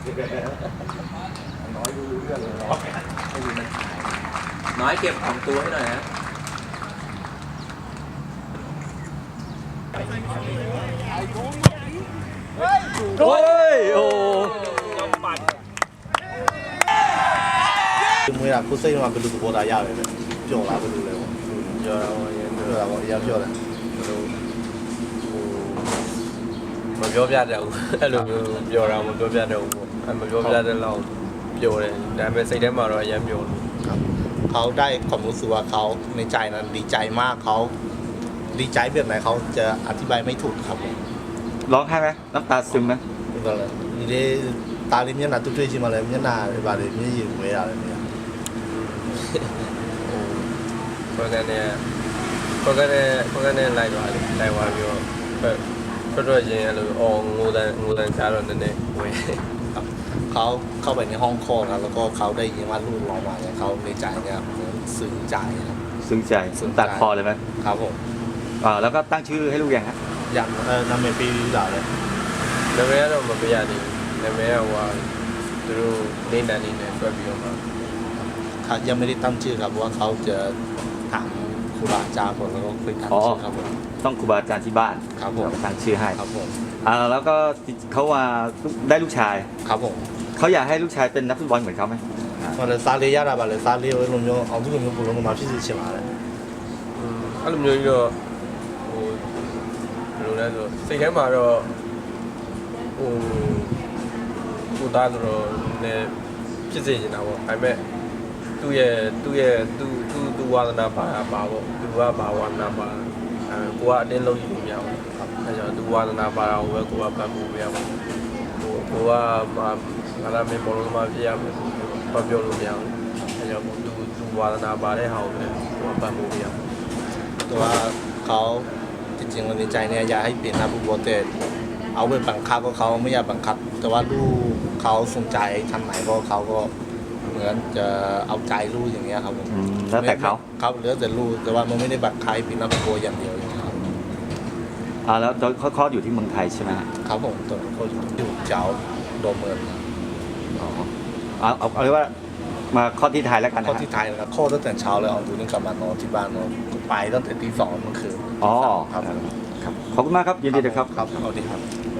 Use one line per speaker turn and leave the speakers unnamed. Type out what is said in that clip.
น้อยรู้เรื่องเลยไม่รู้มันขาย
น้อยเก็บของตัวให้หน่อยนะโอ้ยโอ้
mới là cô xây mà cái lục bộ đại gia rồiပြောlà cái lục này
giờ
ပြောlà bọn emပြောnày
မပြောပြတတ်ဘူးအဲ့လိုမျိုးပြောတာမပြောပြတတ်ဘူးပေါ့မပြောပြတဲ့လောက်ပြောတယ်ဒါပေမဲ့စိတ်ထဲမှာတော့အရင်ပြောလို့
เขาได้ความรู้สึกว่าเขาในใจนั้นดีใจมากเขาดีใจแบบไหนเขาจะอธิบายไม่ถูกครับผม
ร้องไห้ไหมน้ำตาซึมไหม
ก็เลยนี่ตาลิမျက်နှာတွေ့ချင်းမှလည်းမျက်နှာတွေပါလေမျက်ရည်ဝဲရတယ်เนี่ย
ခေါ်ကနေလိုက်သွားတယ်လိုက်သွားပြီးတော့ချင်းအဲ့လိုအော်ငိုတန်ချားတော့နည်းနည်းဝဲ
ครับเขาเข้าไปในห้องคลอดแล้วก็เขาได้ยินว่าลูกร้องมาเนี่ยเขาในใจเนี่ยเหมือนซึ้งใจครับ
ซึ้งใจตัดคอเลยไหม
ครับผม
แล้วก็ตั้งชื่อให้ลูกยังฮะ
อยากนำไปปีด่าเลย
နာမည်ကတော့မပြရသေးဘူးနာမည်ကဟိုသူတို့နေတန်နေနဲ့တွက်ပြီးတော့မှ
เขายังไม่ได้ตั้งชื่อครับเพราะว่าเขาจะถามครูบาอาจารย์ผมแล้วก็คุยกันชื่อครับผม
ต้องครูบาอาจารย์ที่บ้าน
ครับผม
ตั้งชื่อให้
ครับผม
แล้วก็เขาว่าได้ลูกชาย
ครับผม
เขาอยากให้ลูกชายเป็นนักฟุตบอลเหมือนเขาไหม
ဟိုလည်းစားလေးရတာပါလေစားလေးလိုမျိုးအောင်သူလိုမျိုးပုံလုံးမှာဖြစ်စီချင်ပါတယ်
အဲ့လိုမျိုးကြီးတော့ဟိုဘယ်လိုလဲဆိုစိတ်ထဲမှာတော့ဟိုကိုသားတော့လည်းဖြစ်စေချင်တာပေါ့ဒါပေမဲ့သူ့ဝါသနာပါပေါ့သူကဘာဝါသနာပါကိုကအတင်းလုံးယူလို့မရဘူးအဲကြောင့်သူဝါသနာပါအောင်ပဲကိုကပတ်ဖို့မရဘူးကိုကငါလာမင်းဘောလုံးမှာပြရမယ်ဘာပြောလို့မရဘူးအဲကြောင့်သူဝါသနာပါတဲ့ဟာကိုပဲကိုကပတ်ဖို့မရဘူး
แต่ว่าเขาจริงๆในใจเนี่ยอยากให้เปลี่ยนหน้าผู้บอลแต่เอาไปบังคับก็เขาไม่อยากบังคับ แต่ว่าลูกเขาสนใจทางไหนก็เขาก็เหมือนจะเอาใจลูกอย่างเงี้ยครับผม
แล้วแต่เขา
ครับเหลือแต่ลูกแต่ว่ามันไม่ได้บังคับให้เป็นหน้าผู้บอลอย่างเดียวอย่างเงี้ยครับ
แล้วเขาคลอดอยู่ที่เมืองไทยใช่ไหมฮะ
ครับผมตัวเขาอยู่เจ้าโดมเมือง
เอาเรียกว่ามาคลอดที่ไทยแล้วกัน
เข้า
นะ
ที่ไทยนะครับเข้าตั้งแต่เช้าเลยเอาตัวนี้กลับมานอนที่บ้านนอนไปตั้งแต่ตี 2เมื่อคืน
อ๋อ
ครับ
ครับขอบคุณมากครับยินดีเลยครับ
ครับเอาดีครับ